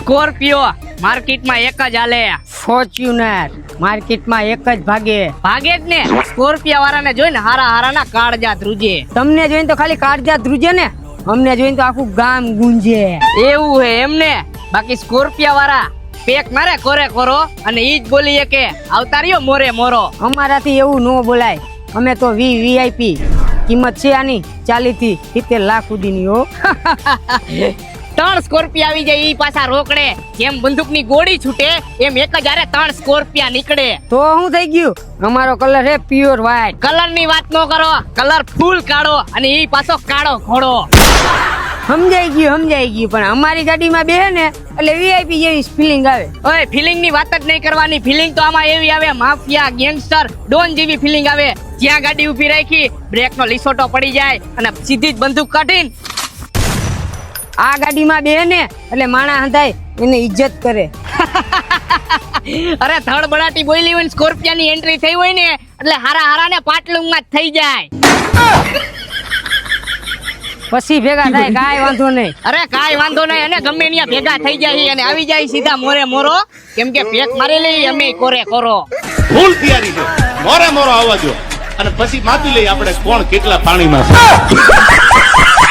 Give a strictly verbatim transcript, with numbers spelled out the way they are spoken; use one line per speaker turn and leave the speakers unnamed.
Scorpio માર્કેટમાં એક જ હાલે.
ફોર્ચ્યુનર માર્કેટમાં એક જ ભાગે.
ભાગે જ ને. સ્કોર્પિયા વાળાને જોઈને હારા હારાના કાળજા ધ્રુજે.
તમને જોઈને તો ખાલી કાળજા ધ્રુજે ને, અમને જોઈને તો આખું ગામ ગુંજે.
એવું હે એમને. બાકી સ્કોર્પિયા વાળા પેક મારે કોરે કોરો અને ઈ જ બોલીએ કે આવતા રહ્યો મોરે મોરો.
અમારાથી એવું ન બોલાય, અમે તો વી વીઆઈપી. કિંમત છે આની ચાલીસ થી સિત્તેર લાખ સુધીની હો.
ત્રણ સ્કોર્પિયા આવી જાય ઈ પાછા રોકડે. જેમ બંદૂકની ગોળી છૂટે એમ એક જ હારે ત્રણ સ્કોર્પિયા નીકળે.
તો શું થઈ ગયું? અમારો કલર છે પ્યોર વ્હાઈટ.
કલર ની વાત ન કરો, કલર ફૂલ કાળો અને ઈ પાછો કાળો ઘોડો.
સમજાઈ ગયું સમજાઈ ગયું પણ અમારી ગાડીમાં બેહે ને એટલે વીઆઈપી જેવી ફિલિંગ આવે.
ઓય ફિલિંગ ની વાત જ નહીં કરવાની. ફિલિંગ તો આમાં એવી આવે, માફિયા ગેંગસ્ટર ડોન જેવી ફિલિંગ આવે. જ્યાં ગાડી ઊભી રાખી બ્રેક નો લીસોટો પડી જાય અને સીધી જ બંદૂક કાઢીને
આ ગાડીમાં બેહે ને એટલે માણા હંધાય એને ઇજ્જત કરે.
અરે ધડ બડાટી બોલી હોય ને સ્કોર્પિયા ની એન્ટ્રી થઈ હોય ને એટલે હારા હારા ને પાટલું માં જ થઈ જાય.
પછી ભેગા થાય કાંઈ વાંધો નહીં.
અરે કાંઈ વાંધો નહીં. અને ગમે ત્યાં ભેગા થઈ જાય અને આવી જાય સીધા મોરે મોરો. કેમ કે પેક મારી લઈ અમે કોરે કોરો.
ફૂલ તૈયારી છે, મોરે મોરો આવવા જો અને પછી માપી લઈ આપણે કોણ કેટલા પાણીમાં છે.